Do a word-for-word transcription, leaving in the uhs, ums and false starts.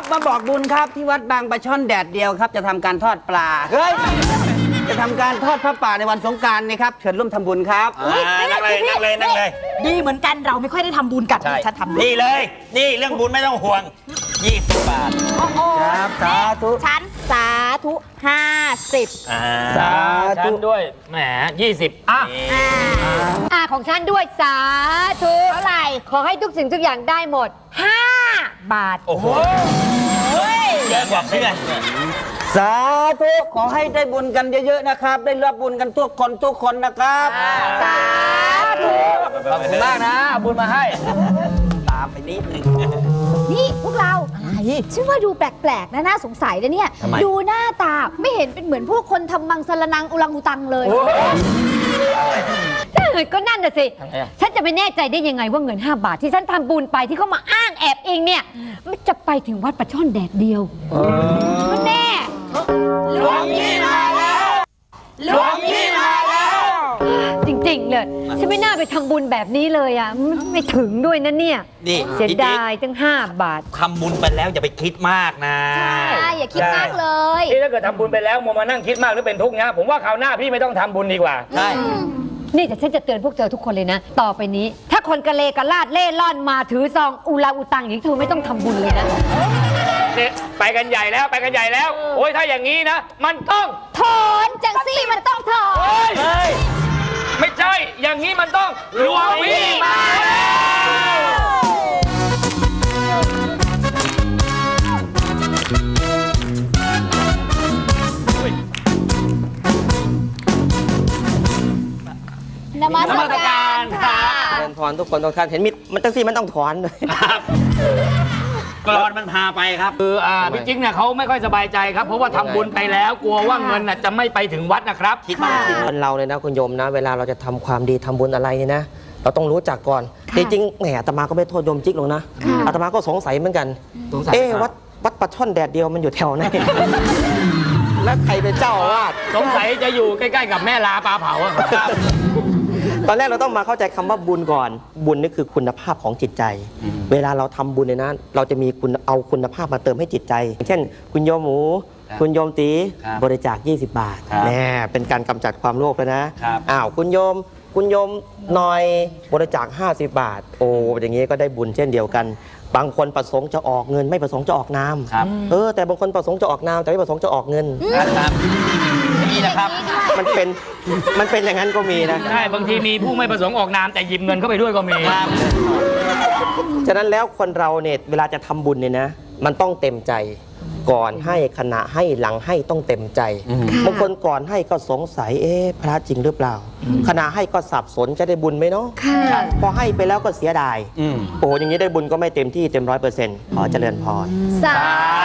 ครับมาบอกบุญครับที่วัดบางปลาช่อนแดดเดียวครับจะทำการทอดปลาเฮ้ยจะทำการทอดพระป่าในวันสงกรานต์นี่ครับเชิญร่วมทำบุญครับนั่งเลยนั่งเลยนั่งเลยดีเหมือนกันเราไม่ค่อยได้ทำบุญกันฉันทำนี่เลยนี่เรื่องบุญไม่ต้องห่วงยี่สิบบาทครับสาธุฉันสาธุห้าสิบสาธุด้วยแหมยี่สิบอ่ะอ่าของฉันด้วยสาธุเท่าไหร่ขอให้ทุกสิ่งทุกอย่างได้หมดห้าบาทโอ้โหเยอะกว่าเพื่อนสาธุขอให้ได้บุญกันเยอะๆนะครับได้รับบุญกันทุกคนทุกคนนะครับสาธุขอบคุณมากนะบุญมาให้ตามไปนิดนึงนี่พวกเราฉันว่าดูแปลกๆนะน่าสงสัยนะเนี่ยดูหน้าตาไม่เห็นเป็นเหมือนพวกคนทำมังสรนังอุลังอุตังเลยก็นั่นน่ะสิฉันจะไปแน่ใจได้ยังไงว่าเงินห้าบาทที่ฉันทำบุญไปที่เขามาอ้างแอบเองเนี่ยมันจะไปถึงวัดปลาช่อนแดดเดียวมันแน่หลวงพี่มาแล้วหลวงพี่มาแล้วจริงๆเลยฉันไม่น่าไปทำบุญแบบนี้เลยอ่ะไม่ถึงด้วยนะเนี่ยเสียดายตั้งห้าบาททำบุญไปแล้วอย่าไปคิดมากนะใช่อย่าคิดมากเลยที่ถ้าเกิดทำบุญไปแล้วมัวมานั่งคิดมากหรือเป็นทุกข์นะผมว่าคราวหน้าพี่ไม่ต้องทำบุญดีกว่าใช่นี่แต่ฉันจะเตือนพวกเธอทุกคนเลยนะต่อไปนี้ถ้าคนกระเลกระลาดเล่ร่อนมาถือซองอุลาอุตังอย่างนี้เธอไม่ต้องทำบุญเลยนะเนี่ยไปกันใหญ่แล้วไปกันใหญ่แล้วโอ้ยถ้าอย่างนี้นะมันต้องถอนจังซี่มันต้องถอนเฮ้ยไม่ใช่อย่างนี้มันต้องหลวงพี่มานมัสการค่ะเดินถอนทุกคนทุกท่านเห็นมิดมันจังซี่มันต้องถอนเลยกรอนมันพาไปครับคืออ่าพี่จิ๊กเนี่ยเขาไม่ค่อยสบายใจครับเพราะว่าทำบุญไปแล้วกลัวว่าเงินจะไม่ไปถึงวัดนะครับคิดมากคนเราเลยนะคุณโยมนะเวลาเราจะทำความดีทำบุญอะไรเนี่ยนะเราต้องรู้จักก่อนจริงๆแหมอาตมาก็ไม่โทษโยมจิ๊กหรอกนะอาตมาก็สงสัยเหมือนกันเอ๊ะวัดวัดปลาช่อนแดดเดียวมันอยู่แถวไหนแล้วใครเป็นเจ้าอาวาสสงสัยจะอยู่ใกล้ๆกับแม่ลาปลาเผาครับตอนแรกเราต้องมาเข้าใจคำว่าบุญก่อนบุญนี่คือคุณภาพของจิตใจเวลาเราทำบุญเนี่ยนะเราจะมีคุณเอาคุณภาพมาเติมให้จิตใจเช่นคุณโยมหมูคุณโยมตีบริจาคยี่สิบบาทแน่เป็นการกำจัดความโลภแล้วนะอ้าวคุณโยมคุณโยมหน่อยบริจาคห้าสิบบาทโอ้อย่างนี้ก็ได้บุญเช่นเดียวกันบางคนประสงค์จะออกเงินไม่ประสงค์จะออกนามเออแต่บางคนประสงค์จะออกนามแต่ไม่ประสงค์จะออกเงินนี่นะครับมันเป็นมันเป็นอย่างนั้นก็มีนะใช่บางทีมีผู้ไม่ประสงค์ออกนามแต่หยิบเงินเข้าไปด้วยก็มีฉะนั้นแล้วคนเราเนี่ยเวลาจะทำบุญเนี่ยนะมันต้องเต็มใจก่อนให้ขณะให้หลังให้ต้องเต็มใจบางคนก่อนให้ก็สงสัยเอ๊ะพระจริงหรือเปล่าขณะให้ก็สับสนจะได้บุญไหมเนาะพอให้ไปแล้วก็เสียดายโอ้อย่างนี้ได้บุญก็ไม่เต็มที่เต็มร้อยเปอร์เซ็นต์ขอเจริญพรสา